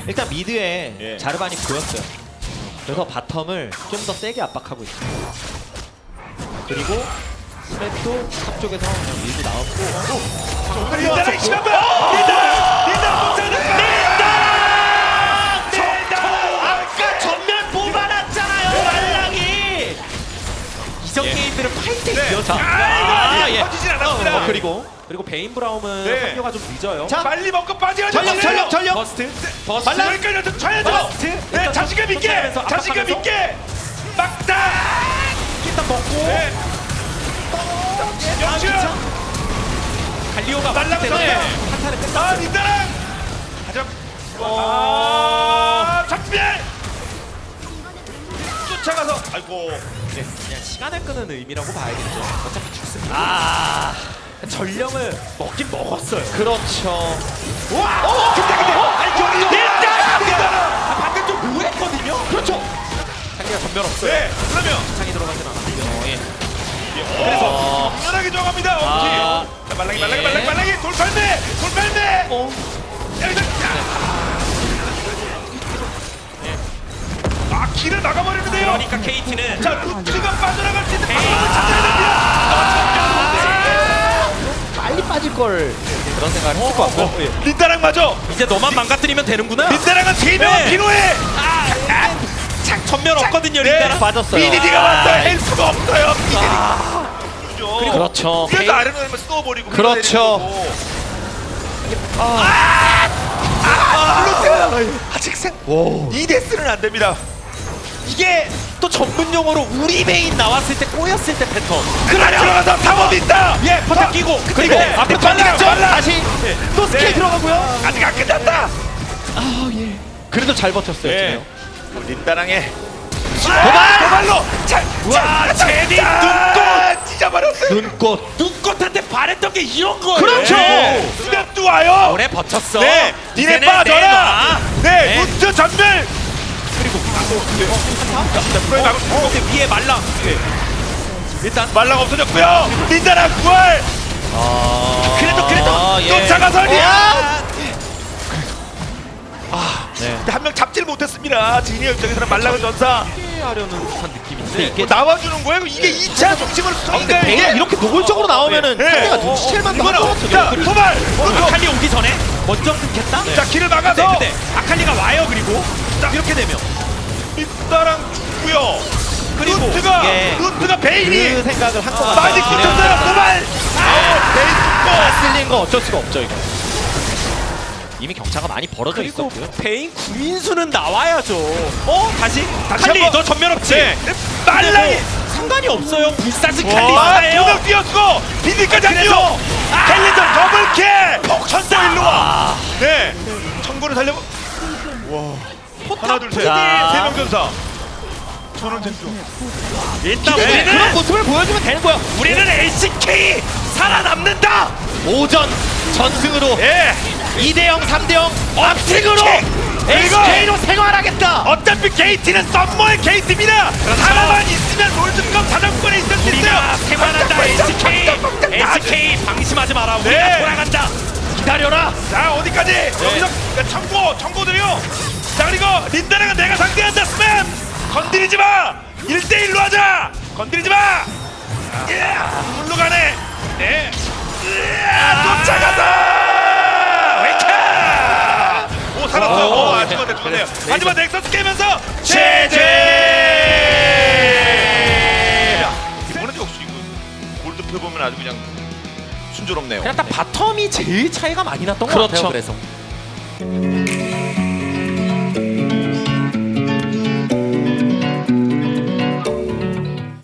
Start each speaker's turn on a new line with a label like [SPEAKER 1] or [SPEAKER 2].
[SPEAKER 1] 일단 미드에
[SPEAKER 2] 예.
[SPEAKER 1] 자르반이 보였어요. 그래서 바텀을 좀 더 세게 압박하고 있습니다. 그리고 스맵도 탑 쪽에서 그냥 밀고 나왔고
[SPEAKER 2] 린다랑 시간 봐!
[SPEAKER 1] 아까 전면 뽑아놨잖아요 말랑이! 이전 게임들은 파이팅이었죠.
[SPEAKER 2] 예. 터지진 않았습니다.
[SPEAKER 1] 그리고 베인 브라움은
[SPEAKER 2] 네.
[SPEAKER 1] 합류가 좀 늦어요.
[SPEAKER 2] 자, 빨리 먹고 빠져야죠.
[SPEAKER 1] 전력! 버스트!
[SPEAKER 2] 말랑 여기까지 쳐야죠.
[SPEAKER 1] 버스트!
[SPEAKER 2] 네, 자신감 있게,
[SPEAKER 1] 쫓아내면서
[SPEAKER 2] 자신감
[SPEAKER 1] 압박하면서.
[SPEAKER 2] 있게 막다.
[SPEAKER 1] 일단 먹고
[SPEAKER 2] 네. 영준.
[SPEAKER 1] 갈리오가
[SPEAKER 2] 말랑은
[SPEAKER 1] 맞기 때문에
[SPEAKER 2] 네.
[SPEAKER 1] 한타는
[SPEAKER 2] 아,
[SPEAKER 1] 끝났어요.
[SPEAKER 2] 린다랑. 가자. 아, 작별. 쫓아가서. 아이고.
[SPEAKER 1] 그냥 시간을 끄는 의미라고 봐야겠죠. 어차피 죽습니다. 전령을 먹긴 먹었어요. 그렇죠.
[SPEAKER 2] 와! 근데 린다랑.
[SPEAKER 1] 방금 좀 우회했거든요. 그렇죠. 상대가 전면 없어요.
[SPEAKER 2] 네. 그러면
[SPEAKER 1] 창이 들어가진 않았고요. 예.
[SPEAKER 2] 그래서 당연하게 정합니다.
[SPEAKER 1] 아.
[SPEAKER 2] 엄지. 자, 말랑이 돌팔매. 여기서 아, 길을 막아버리는데요.
[SPEAKER 1] 그러니까 KT는
[SPEAKER 2] 자, 루트가 빠져나갈 수 있는 방법을 찾아야 됩니다.
[SPEAKER 1] 빨리 빠질 걸 그런 생각을 했을 것 같고
[SPEAKER 2] 린다랑 맞아.
[SPEAKER 1] 이제 너만 망가뜨리면 되는구나.
[SPEAKER 2] 린다랑은 3명은 필요해.
[SPEAKER 1] 창 전면 없거든요.
[SPEAKER 2] 네.
[SPEAKER 1] 린다랑 빠졌어요.
[SPEAKER 2] BDD가 왔어요. 할 수가 없어요. BDD.
[SPEAKER 1] 그렇죠.
[SPEAKER 2] 그래서 아래로 내면 쏘버리고.
[SPEAKER 1] 그렇죠.
[SPEAKER 2] 루트. 아직 생. 2대스는 안 됩니다.
[SPEAKER 1] 이게 또 전문 용어로 우리 메인 나왔을 때 꼬였을 때 패턴.
[SPEAKER 2] 그래 들어가서 탐험 있다.
[SPEAKER 1] 예, 퍼터 끼고 그리고
[SPEAKER 2] 네.
[SPEAKER 1] 앞에
[SPEAKER 2] 빨라,
[SPEAKER 1] 던지겠죠.
[SPEAKER 2] 빨라.
[SPEAKER 1] 다시 또 스킬
[SPEAKER 2] 네.
[SPEAKER 1] 들어가고요.
[SPEAKER 2] 아직 안 끝났다.
[SPEAKER 1] 그래도 잘 버텼어요.
[SPEAKER 2] 네.
[SPEAKER 1] 지금.
[SPEAKER 2] 린다랑의
[SPEAKER 1] 도발!
[SPEAKER 2] 와, 제디 눈꽃 찢어버렸어요.
[SPEAKER 1] 눈꽃한테 바랬던 게 이런 거예요.
[SPEAKER 2] 그렇죠. 스냅도 와요.
[SPEAKER 1] 오래 버텼어.
[SPEAKER 2] 네, 니네
[SPEAKER 1] 이제는
[SPEAKER 2] 빠져라. 네,
[SPEAKER 1] 네.
[SPEAKER 2] 루트 전멸.
[SPEAKER 1] 그리고
[SPEAKER 2] 프로이 막을
[SPEAKER 1] 근데 위에 말랑.
[SPEAKER 2] 일단 말랑 없어졌고요. 린다랑 부활. 그래도
[SPEAKER 1] 예.
[SPEAKER 2] 쫓아가서 리아.
[SPEAKER 1] 네.
[SPEAKER 2] 한 명 잡지를 못했습니다. 지니어 입장에서는 말랑은 전사
[SPEAKER 1] 하려는 듯한 느낌인데
[SPEAKER 2] 뭐 나와주는 거예요. 이게 2차 중심을 쏘니까 이게
[SPEAKER 1] 이렇게 노골적으로 나오면은
[SPEAKER 2] 네.
[SPEAKER 1] 상대가 눈치챌 만도 할 것 같아요.
[SPEAKER 2] 자, 도발.
[SPEAKER 1] 아칼리 오기 전에 먼저 끊겠다?
[SPEAKER 2] 자, 길을 막아서
[SPEAKER 1] 근데 아칼리가 와요. 그리고
[SPEAKER 2] 자,
[SPEAKER 1] 이렇게 되면
[SPEAKER 2] 린다랑 죽고요.
[SPEAKER 1] 그리고
[SPEAKER 2] 루트가 베인이
[SPEAKER 1] 그 생각을 한 것 같아요.
[SPEAKER 2] 많이 붙었어요. 도발. 베인 죽고.
[SPEAKER 1] 쓸린 거 어쩔 수가 없죠 이거. 이미 경차가 많이 벌어져 있었고요. 베인 구인수는 나와야죠. 다시 칼리
[SPEAKER 2] 한번.
[SPEAKER 1] 너 전면 없지?
[SPEAKER 2] 네. 말랑이.
[SPEAKER 1] 상관이 없어요. 불사스
[SPEAKER 2] 아,
[SPEAKER 1] 칼리스타예요.
[SPEAKER 2] 두명 뛰었고 비디까지 안 뛰어. 캘린전 더블캐. 천고 일로 와. 네. 천고를 살려. 와. 하나 둘 셋.
[SPEAKER 1] 자.
[SPEAKER 2] 3명 전사. 저는 쟁조.
[SPEAKER 1] 일단
[SPEAKER 2] 네.
[SPEAKER 1] 우리는 그런 모습을 보여주면 되는 거야. 우리는 LCK 살아남는다. 오전 전승으로
[SPEAKER 2] 예.
[SPEAKER 1] 2대0, 3대0 업식으로
[SPEAKER 2] 그리고
[SPEAKER 1] LCK로 생활하겠다.
[SPEAKER 2] 어차피 게이트는 썸머의 게이트입니다. 하나만 있으면 롤드컵 다전권에 있을 수 있어요.
[SPEAKER 1] 우리가 생활한다. LCK 방심하지 마라. 우리가
[SPEAKER 2] 네.
[SPEAKER 1] 돌아간다. 기다려라.
[SPEAKER 2] 자, 어디까지? 여기서 청고들이요. 자, 그리고 린다랑은 내가 상대한다. 스맵 건드리지 마. 1대1로 하자. 건드리지 마. 물로 가네. 네. 쫓아가서. 오, 살았어. 죽었네요. 하지만 넥서스 깨면서 제제. 이번엔 역시 이거 골드표 보면 아주 그냥 순조롭네요.
[SPEAKER 1] 그냥 딱 바텀이 제일 차이가 많이 났던 것 같아요. 그래서